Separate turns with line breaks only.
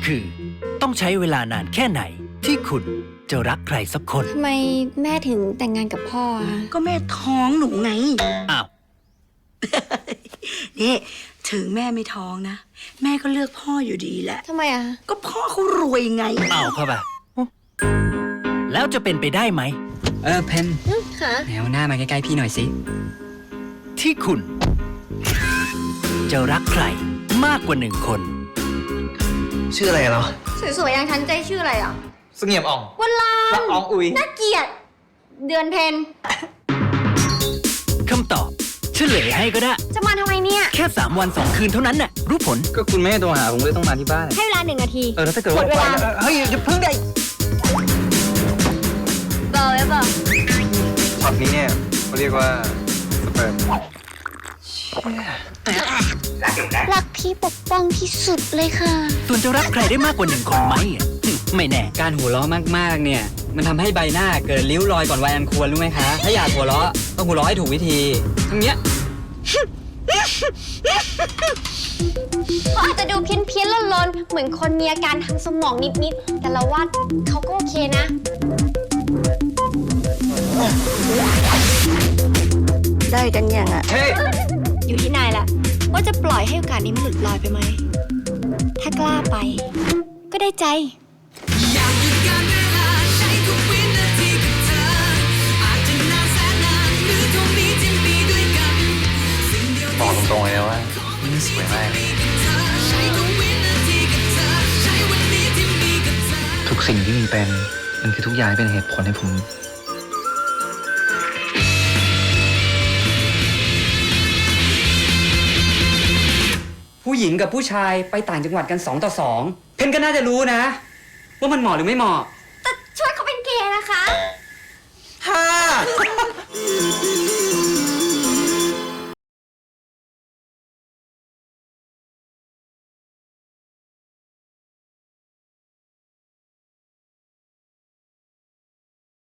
คือ ต้องใช้เวลานานแค่ไหนที่คุณจะรักใครสักคน
ทำไมแม่ถึงแต่งงานกับพ่ออะ
ก็แม่ท้องหนูไง
อ้าว
นี่ถึงแม่ไม่ท้องนะ แม่ก็เลือกพ่ออยู่ดีแหละ
ทำไมอะ
ก็พ่อเขารวยไง
เอาเข้าไปแล้วจะเป็นไปได้ไหม
เพน
ค่ะ
แนวหน้ามาใกล้ๆพี่หน่อยสิ
ที่คุณ จะรักใครมากกว่าหนึ่งคน
ชื่ออะไรเหรอ
สวยๆอย่างฉันใจชื่ออะไรอ่ะ
เสงี่ยมอ่อง
วันลา
ละอองอุย
น่าเกลียด เดือนเพน
คำตอบเฉลยให้ก็ได้
จะมาทำไมเนี่ย
แค่ 3 วัน 2 คืนเท่านั้นน่ะรู้ผล
ก็คุณไม่ให้โทรหาผมเลยต้องมาที่บ้าน
ให้เวลา1 นาที
แล้วถ้าเกิด
หม
ว่า
ดเวลา
เฮ้ยอย่าเพิ่งได้
เบอร์ไว้เบอร์
ช็อตนี้เนี่ยเขาเรียกว่าสเปิร์ม
รักพี่ปกป้องที่สุดเลยค่ะ
ส่วนจะรักใครได้มากกว่าหนึ่งคนไหมอ่ะไม่แน่
การหัวเราะมากๆ เนี่ย มันทำให้ใบหน้าเกิดริ้วรอยก่อนวัยอันควรรู้ไหมคะ ถ้าอยากหัวเราะต้องหัวเราะให้ถูกวิธีทั้งเนี้ย
เขาอาจจะดูเพี้ยนๆลนๆเหมือนคนมีอาการทางสมองนิดๆแต่เราว่าเขาก็โอเคนะ
ได้กันยังอ่ะ
เฮ้ย
อยู่ที่นายแหละว่าจะปล่อยให้โอกาสนี้มันหลุดลอยไปไหม ถ้ากล้าไป ก็ได้ใจ
บอกตรงๆเลยนะว่านี่สวยมากทุกสิ่งที่มีเป็นมันคือทุกอย่างเป็นเหตุผลให้ผม
ผู้หญิงกับผู้ชายไปต่างจังหวัดกัน2 ต่อ 2 เพนก็น่าจะรู้นะ ว่ามันเหมาะหรือไม่เหมาะ
แต่ช่วยเขาเป็นเกย์นะคะ